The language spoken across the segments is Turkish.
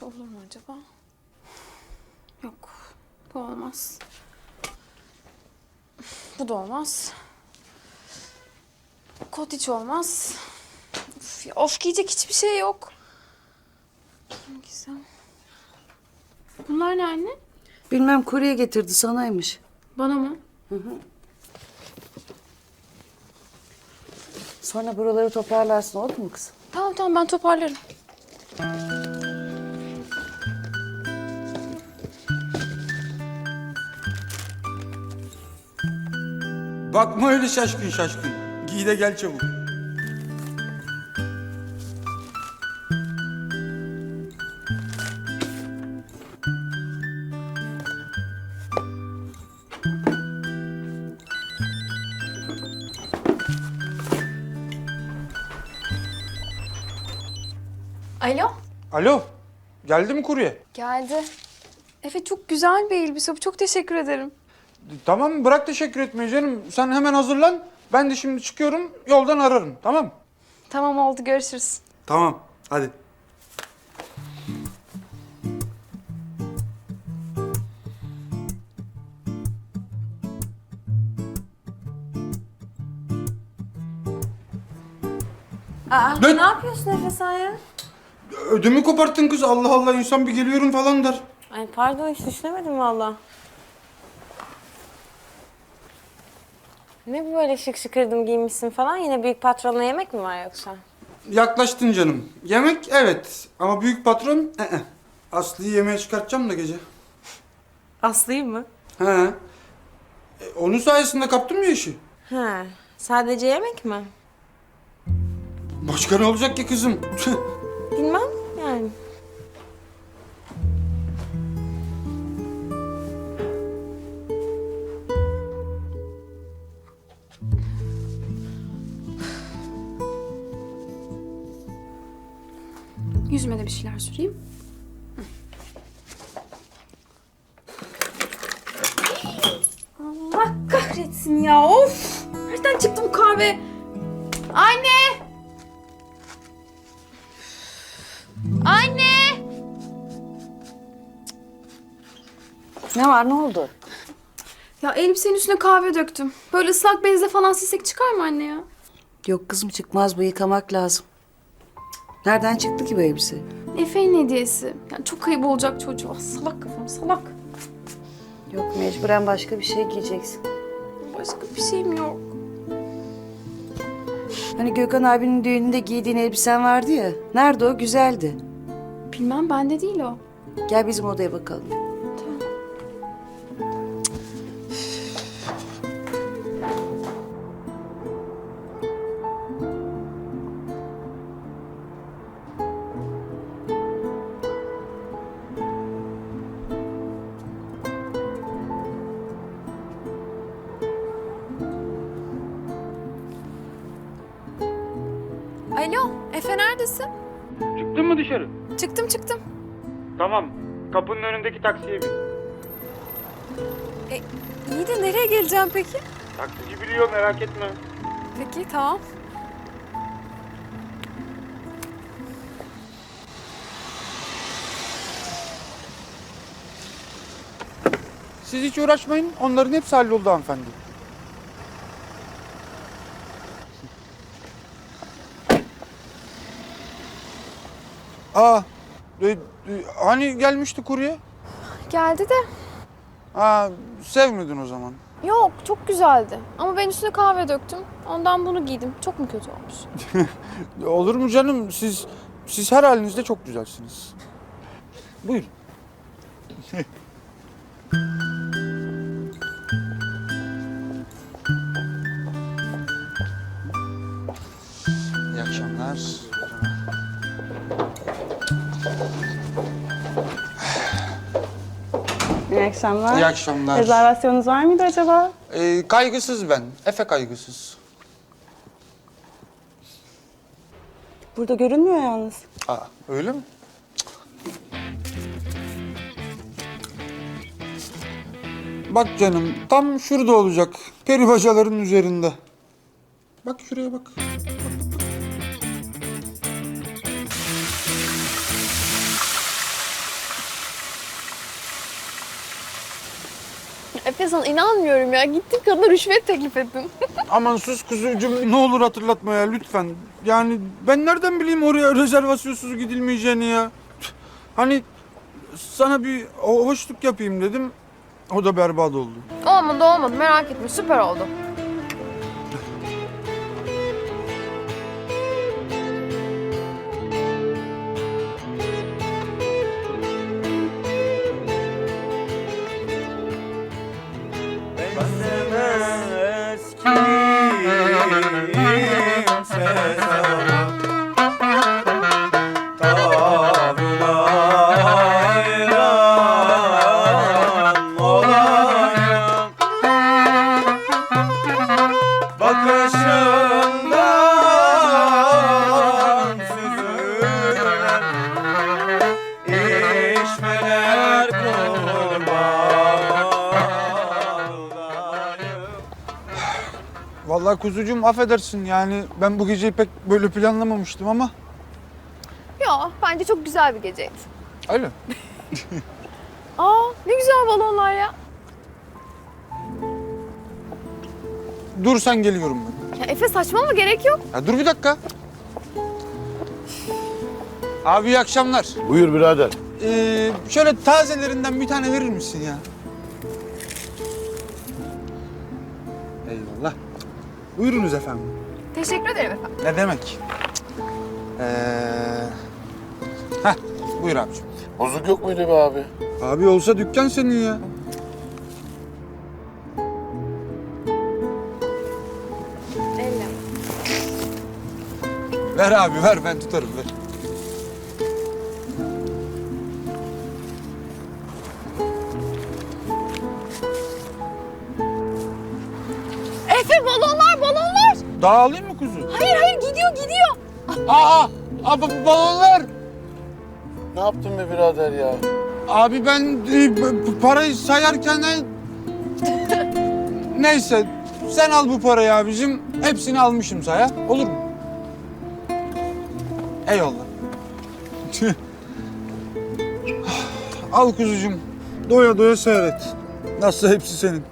Şu olur mu acaba? Yok. Bu olmaz. Bu da olmaz. Kot hiç olmaz. Of giyecek hiçbir şey yok. Ne giysem? Bunlar ne anne? Bilmem kurye getirdi sanaymış. Bana mı? Sonra buraları toparlarsın oldu mu kızım? Tamam ben toparlarım. Bakma öyle şaşkın şaşkın. Giy de gel çabuk. Alo? Alo. Geldi mi kurye? Geldi. Efe çok güzel bir elbise bu. Çok teşekkür ederim. Tamam bırak teşekkür etmeyi canım. Sen hemen hazırlan. Ben de şimdi çıkıyorum. Yoldan ararım. Tamam mı? Tamam oldu görüşürüz. Tamam. Hadi. Aa, Ne? ne yapıyorsun Efe sen ya? Ödümü koparttın kız. Allah Allah insan bir geliyorum falan der. Ay pardon hiç düşünemedim valla. Ne bu böyle şık şıkırdım giymişsin falan? Yine büyük patronla yemek mi var yoksa? Yaklaştın canım. Yemek evet. Ama büyük patron Aslı'yı yemeğe çıkartacağım da gece. Aslı'yı mı? He. Onun sayesinde kaptım ya işi. Ha, sadece yemek mi? Başka ne olacak ki kızım? Bilmem yani. Yüzüme de bir şeyler süreyim. Allah kahretsin ya of! Nereden çıktı bu kahve? Anne! Anne! Ne var ne oldu? Ya elbisenin üstüne kahve döktüm. Böyle ıslak bezle falan silsek çıkar mı anne ya? Yok kızım çıkmaz bu yıkamak lazım. Nereden çıktı ki bu elbise? Efe'nin hediyesi. Yani çok ayıp olacak çocuğa. Salak kafam salak. Yok mecburen başka bir şey giyeceksin. Başka bir şeyim yok. Hani Gökhan abinin düğününde giydiğin elbisen vardı ya. Nerede o? Güzeldi. Bilmem bende değil o. Gel bizim odaya bakalım. Alo Efe neredesin? Çıktın mı dışarı? Çıktım. Tamam. Kapının önündeki taksiye bin. İyi de nereye geleceğim peki? Taksici biliyor merak etme. Peki tamam. Siz hiç uğraşmayın. Onların hepsi halloldu hanımefendi. Aa, hani gelmişti kurye? Geldi de. Aa, sevmedin o zaman. Yok çok güzeldi. Ama ben üstüne kahve döktüm. Ondan bunu giydim. Çok mu kötü olmuş? Olur mu canım? Siz her halinizde çok güzelsiniz. Buyurun. İyi akşamlar. İyi akşamlar. İyi akşamlar. Rezervasyonunuz var mıydı acaba? Kaygısız ben. Efe kaygısız. Burada görünmüyor yalnız. Aa, öyle mi? Bak canım, tam şurada olacak. Peri bacaların üzerinde. Bak şuraya bak. Efe sana inanmıyorum ya. Gittin kadına rüşvet teklif ettin. Aman sus kuzucuğum, ne olur hatırlatma ya lütfen. Yani ben nereden bileyim oraya rezervasyonsuz gidilmeyeceğini ya. Hani sana bir hoşluk yapayım dedim. O da berbat oldu. Olmadı merak etme süper oldu. Vallahi kuzucuğum affedersin yani ben bu geceyi pek böyle planlamamıştım ama. Ya bence çok güzel bir geceydi. Öyle. Aa ne güzel balonlar ya. Dur sen geliyorum ben. Ya Efe saçmalama gerek yok. Ya dur bir dakika. Abi iyi akşamlar. Buyur birader. Şöyle tazelerinden bir tane verir misin ya? Eyvallah. Buyurunuz efendim. Teşekkür ederim efendim. Ne demek? Heh, buyur abiciğim. Bozuk yok muydu be abi? Abi olsa dükkan senin ya. Elle. Ver abi ver ben tutarım ver. Efe balonlar. Daha alayım mı kuzu? Hayır gidiyor. Balonlar. Ne yaptın be birader ya? Abi ben parayı sayarken neyse sen al bu parayı abicim. Hepsini almışım saya. Olur mu? Eyvallah. Al kuzucuğum. Doya doya seyret. Nasıl hepsi senin.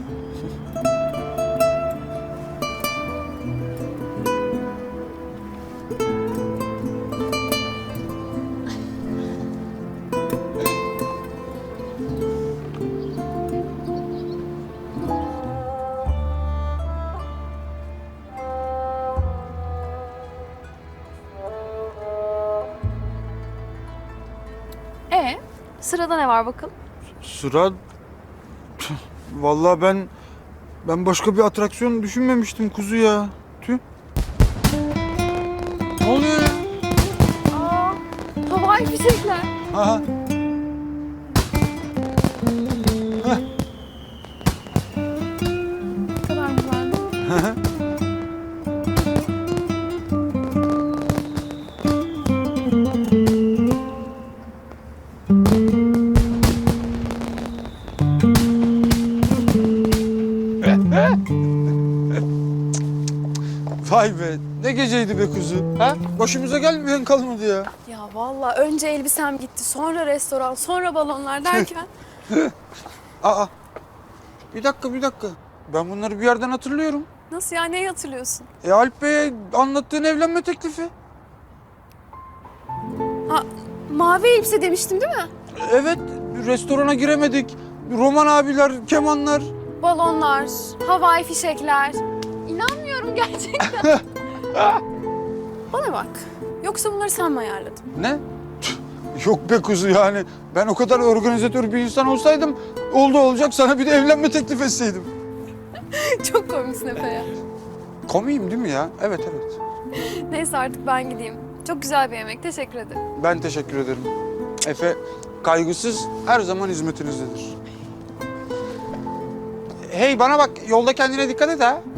Sırada ne var bakalım? Sıra... Vallahi ben başka bir atraksiyon düşünmemiştim kuzu ya. Tüh. Ne oluyor ya? Aa, havai fişekler. Aha. Ne kadar güzel. Vay be, ne geceydi be kuzu. Ha? Başımıza gelmeyen kalmadı ya. Ya vallahi önce elbisem gitti, sonra restoran, sonra balonlar derken. Aa, bir dakika. Ben bunları bir yerden hatırlıyorum. Nasıl ya, neyi hatırlıyorsun? Alp Bey'e anlattığın evlenme teklifi. Ha, mavi elbise demiştim değil mi? Evet, restorana giremedik. Roman abiler, kemanlar. Balonlar, havai fişekler. İnanmıyorum gerçekten. Bana bak, yoksa bunları sen mi ayarladın? Ne? Yok be kuzu yani. Ben o kadar organizatör bir insan olsaydım oldu olacak sana bir de evlenme teklif etseydim. Çok komiksin Efe ya. Komiyim değil mi ya? Evet. Neyse artık ben gideyim. Çok güzel bir yemek, teşekkür ederim. Ben teşekkür ederim. Efe kaygısız her zaman hizmetinizdedir. Hey bana bak yolda kendine dikkat et ha.